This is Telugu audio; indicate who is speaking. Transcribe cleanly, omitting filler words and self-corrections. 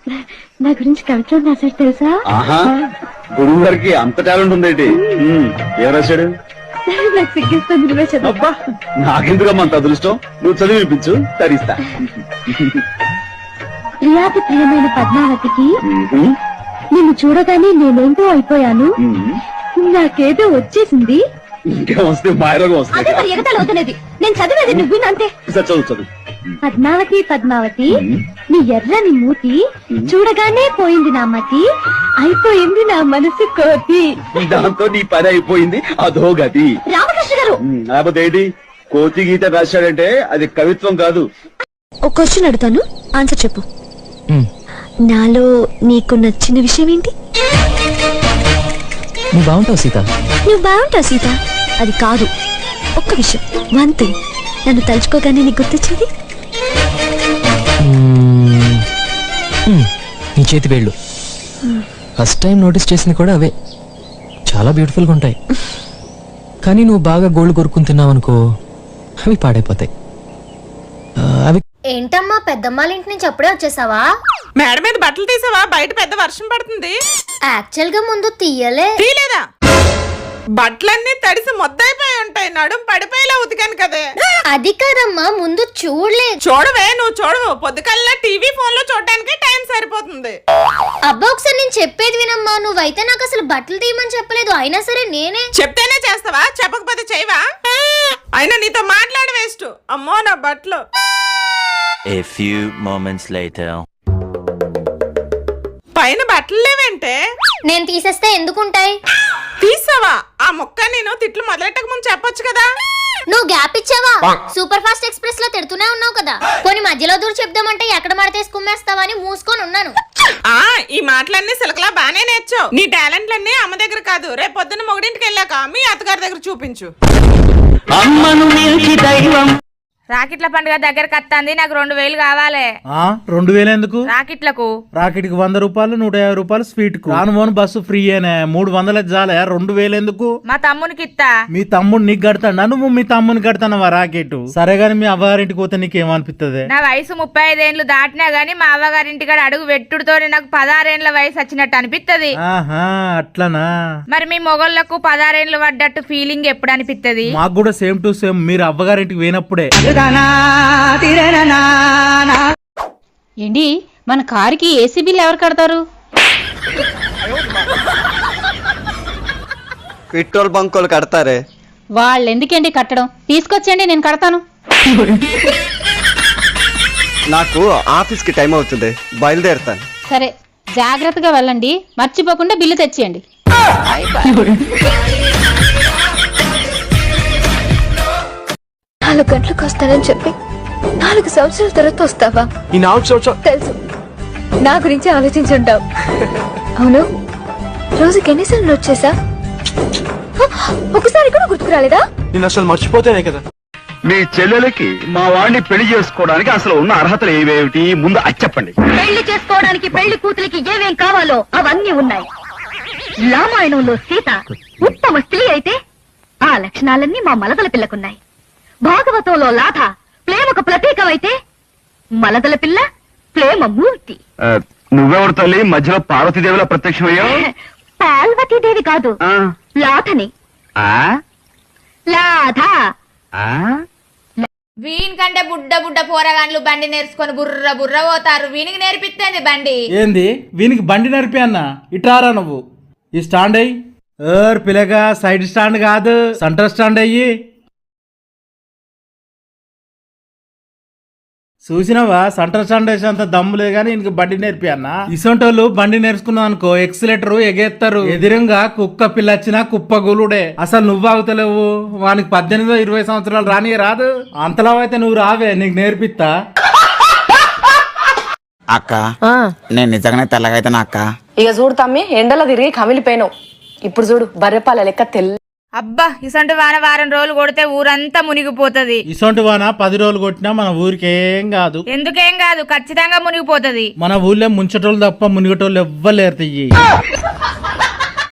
Speaker 1: నా గురించి కవిత్వం రాశాడు తెలుసా?
Speaker 2: ఆహా, గురువు గారికి అంత టాలెంట్ ఉందేంటి? ఏం రాశాడు?
Speaker 1: నాకు సిగ్గిస్తుంది, నువ్వే చదువు.
Speaker 2: అబ్బా, నాకెందుకమ్మా అంత అదృష్టం? నువ్వు చదివి వినిపించు, తరిస్తా.
Speaker 1: ప్రియాతి ప్రియమైన పద్మావతికి నిన్ను చూడగానే నేనేంటో అయిపోయాను. నాకేదో వచ్చేసింది.
Speaker 2: ఇంకా వస్తే మాయరోగం వస్తుంది.
Speaker 1: అవుతున్నది నేను చదివేది నువ్వు అంతే.
Speaker 2: చదువు చదువు.
Speaker 1: పద్మావతి పద్మావతి నీ ఎర్రని మూతి చూడగానే పోయింది నా మతి, అయిపోయింది నా మనసు కోతి.
Speaker 2: దాంతో నీ పని అయిపోయింది, అదో గతి.
Speaker 1: రామకృష్ణ గారు
Speaker 2: లేకపోతే ఏంటి? కోతి గీత రాశాడంటే అది కవిత్వం కాదు.
Speaker 1: ఒక క్వశ్చన్ అడుగుతాను, ఆన్సర్ చెప్పు. నాలో నీకు నచ్చిన విషయం ఏంటి?
Speaker 3: నువ్వు బాగుంటావు సీత.
Speaker 1: నువ్వు బాగుంటావు సీత, అది కాదు. ఒక్క విషయం, వన్ థింగ్, నన్ను తలుచుకోగానే నీకు గుర్తొచ్చేది.
Speaker 3: నీ చేతి వేళ్ళు. ఫస్ట్ టైం నోటీస్ చేసింది కూడా అవే. చాలా బ్యూటిఫుల్ గా ఉంటాయి. కానీ నువ్వు బాగా గోల్డ్ కొరుకుని తిన్నావు అనుకో, అవి పాడైపోతాయి. అవి
Speaker 4: ఏంటమ్మా పెద్దమ్మాళ్ళ ఇంటి నుంచి అప్పుడే వచ్చేసావా?
Speaker 5: మేడ మీద బట్టలు తీసావా? బయట పెద్ద వర్షం పడుతుంది.
Speaker 4: యాక్చువల్ గా ముందు తీయలేదా?
Speaker 5: బట్టలన్నీ తడిసి మొద్దైపోయి ఉంటాయి, నడుం పడిపోయేలా ఉతికాను కదే.
Speaker 4: అది కాదమ్మా, ముందు చూడలేదు.
Speaker 5: చూడవే, నువ్వు చూడవు. పొద్దుకల్లా టీవీ ఫోన్ లో చూడడానికి టైం సరిపోతుంది.
Speaker 4: అబ్బా ఒకసారి నేను చెప్పేది వినమ్మా. నువ్వైతే నాకు అసలు బట్టలు తీయమని చెప్పలేదు, అయినా సరే నేనే.
Speaker 5: చెప్తేనే చేస్తావా? చెప్పకపోతే చేయవా? అయినా నీతో మాట్లాడి వేస్ట్. అమ్మో నా బట్టలు.
Speaker 6: A few moments later.
Speaker 5: పైన బట్టలు లేవంటే
Speaker 4: నేను తీసేస్తే ఎందుకుంటాయి?
Speaker 5: తీసావా? ఆ మొక్క నేను తిట్లు మొదలెట్టక ముందు చెప్పొచ్చు కదా.
Speaker 4: నువ్వు గ్యాప్ ఇచ్చావా? సూపర్ ఫాస్ట్ ఎక్స్ప్రెస్ లో తిడుతూనే ఉన్నావు కదా. కొన్ని మధ్యలో దూరం చెప్దామంటే ఎక్కడ మడతేసి కుమ్మేస్తావా అని మూసుకొని ఉన్నాను.
Speaker 5: ఈ మాటలన్నీ సిలకలా బానే నేర్చావు. నీ టాలెంట్లన్నీ అమ్మ దగ్గర కాదు, రేపు పొద్దున్న మొగడింటికి వెళ్ళాక మీ అత్తగారి దగ్గర చూపించు.
Speaker 7: అమ్మను మించి దైవం.
Speaker 8: రాకెట్ల పండుగ దగ్గరకు వస్తుంది, నాకు 2000 కావాలి.
Speaker 7: 2000 ఎందుకు?
Speaker 8: రాకెట్లకు.
Speaker 7: రాకెట్కి 100 రూపాయలు, 150 రూపాయలు స్వీట్ కు. రాను బస్సు ఫ్రీయేనే. 300 చాలే, 2000 ఎందుకు?
Speaker 8: మా తమ్మునికి ఇస్తా.
Speaker 7: మీ తమ్ముడు నీకు కడతాడా? నువ్వు మీ తమ్ముని కడతానవా రాకెట్? సరే గాని మీ అవ్వగారింటికి పోతే నీకేమనిపిస్తుంది?
Speaker 8: నా వయసు 35 ఏండ్లు దాటినా గానీ మా అవ్వగారింటికాడ అడుగు పెట్టుడుతో నాకు 16 ఏండ్ల వయసు వచ్చినట్టు అనిపిస్తుంది.
Speaker 7: ఆహా, అట్లనా?
Speaker 8: మరి మీ మొగళ్ళకు 16 ఏండ్లు పడ్డట్టు ఫీలింగ్ ఎప్పుడు అనిపిస్తుంది?
Speaker 7: మాకు కూడా సేమ్ టు సేమ్. మీరు అవ్వగారింటికి పోయినప్పుడే.
Speaker 9: ఏంటి మన కారుకి ఏసీ బిల్ ఎవరు కడతారు?
Speaker 10: పెట్రోల్ బంకులు కడతారే.
Speaker 9: వాళ్ళు ఎందుకండి కట్టడం? తీసుకొచ్చండి, నేను కడతాను.
Speaker 10: నాకు ఆఫీస్ కి టైం అవుతుంది, బయలుదేరుతాను.
Speaker 9: సరే, జాగ్రత్తగా వెళ్ళండి, మర్చిపోకుండా బిల్లు తెచ్చేయండి.
Speaker 1: 4 గంటలకు వస్తానని చెప్పి 4 సంవత్సరాల తర్వాత వస్తావా?
Speaker 3: ఈ 4 సంవత్సరాలు
Speaker 1: తెలుసు, నా గురించి ఆలోచించుంటావు. అవును, రోజుకి ఎన్నిసార్లు వచ్చేసా? ఒకసారి కూడా గుర్తుకు రాలేదా?
Speaker 3: నేను అసలు మర్చిపోతేనే కదా.
Speaker 2: మీ చెల్లెలకి మా వాడిని పెళ్లి చేసుకోవడానికి అసలు ఉన్న అర్హతలు ఏవేమిటి ముందు అది చెప్పండి.
Speaker 4: పెళ్లి చేసుకోవడానికి పెళ్లి కూతురికి ఏమేం కావాలో అవన్నీ ఉన్నాయి. రామాయణంలో సీత ఉత్తమ స్త్రీ అయితే ఆ లక్షణాలన్నీ మా మలదల పిల్లకున్నాయి. భాగవతంలో లాథ ప్రేమకు ప్రతీకమైతే మలదల పిల్ల ప్రేమ మూర్తి.
Speaker 2: నువ్వెవరు తల్లి మధ్యలో పార్వతీదేవిలా ప్రత్యక్షమయ్యావు?
Speaker 4: పార్వతీదేవి కాదు, లాథని. లాథ.
Speaker 8: వీని కంటే బుడ్డ బుడ్డ పోరగాన్లు బండి నేర్చుకొని బుర్ర బుర్ర పోతారు. వీనికి నేర్పిస్తేంది బండి.
Speaker 7: ఏంది వీనికి బండి నడిపి అన్న? ఇటారా నువ్వు ఈ స్టాండ్ అయ్యి. పిల్లగా సైడ్ స్టాండ్ కాదు, సెంటర్ స్టాండ్ అయ్యి. చూసినావా, సెంటర్ స్టాండ్ వేసి అంత దమ్ము లేదు కానీ ఇంక బండి నేర్పి అన్న. ఇసొంటోళ్ళు బండి నేర్చుకున్నావు అనుకో, ఎక్సిలేటర్ ఎగేస్తారు. ఎదురుగా కుక్క పిల్ల వచ్చినా కుప్ప గులుడే. అసలు నువ్వు ఆగుతలేవు. వానికి 18-20 సంవత్సరాలు రాని రాదు. అంతలా అయితే నువ్వు రావే, నీకు నేర్పిస్తా.
Speaker 11: అక్క, నేను నిజంగానే తెల్లగైతే అక్క.
Speaker 12: ఇక చూడు తమ్మి, ఎండలో తిరిగి కమిలిపోయినావు. ఇప్పుడు చూడు, బర్రెపాల లెక్క తెల్ల.
Speaker 8: అబ్బా, ఇసంటి వాన వారం రోజులు కొడితే ఊరంతా మునిగిపోతది.
Speaker 7: ఇసొంటి వాన 10 రోజులు కొట్టినా మన ఊరికేం కాదు.
Speaker 8: ఎందుకేం కాదు, ఖచ్చితంగా మునిగిపోతది.
Speaker 7: మన ఊళ్ళో ముంచటోళ్ళు తప్ప మునిగటోళ్ళు ఎవ్వలేరు.